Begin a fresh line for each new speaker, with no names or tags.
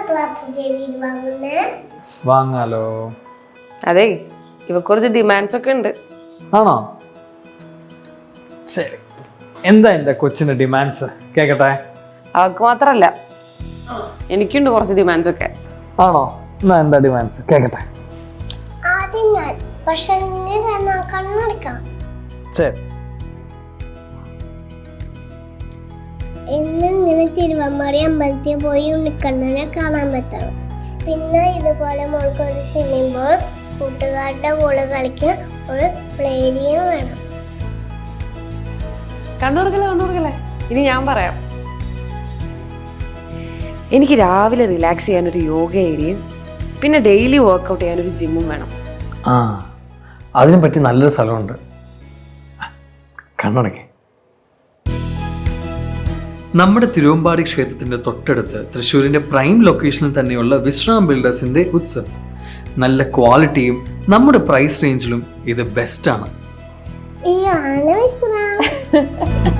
വാങ്ങാലോ.
അതെ, ഇവ കുറച്ച് ഡിമാൻഡ്സ് ഒക്കെ ഉണ്ട്.
ആണോ? ശരി, എന്താ എന്റെ കൊച്ചിന്റെ ഡിമാൻഡ്സ് കേക്കട്ടെ.
അവർക്ക് മാത്രല്ല, എനിക്കുണ്ട് കുറച്ച് ഡിമാൻഡ്സ് ഒക്കെ.
ആണോ? എന്നാ എന്താ ഡിമാൻഡ്സ് കേക്കട്ടെ. ശരി.
എന്നിങ്ങനെ തിരുവമ്മാടി അമ്പലത്തിൽ പോയി ഉണ്ണിക്കണ്ണനെ കാണാൻ പറ്റണം. പിന്നെ ഇതുപോലെ മോൾക്ക് ഒരു സ്വിമ്മിംഗ് പൂൾ, കൂട്ടുകാരുടെ കൂടെ കളിക്കാൻ ഒരു പ്ലേ ഏരിയയും വേണം.
കണ്ണൂർക്കല്ലേ, ഇനി ഞാൻ പറയാം. എനിക്ക് രാവിലെ റിലാക്സ് ചെയ്യാനൊരു യോഗ ഏരിയയും പിന്നെ ഡെയിലി വർക്കൗട്ട് ചെയ്യാനൊരു ജിമ്മും വേണം.
ആ, അതിനെ പറ്റി നല്ലൊരു സ്ഥലമുണ്ട്. കണ്ണടക്കേ. നമ്മുടെ തിരുവമ്പാടി ക്ഷേത്രത്തിന്റെ തൊട്ടടുത്ത് തൃശ്ശൂരിന്റെ പ്രൈം ലൊക്കേഷനിൽ തന്നെയുള്ള വിശ്രാം ബിൽഡേഴ്സിന്റെ ഉത്സവ്. നല്ല ക്വാളിറ്റിയും നമ്മുടെ പ്രൈസ് റേഞ്ചിലും ഇത് ബെസ്റ്റ് ആണ്.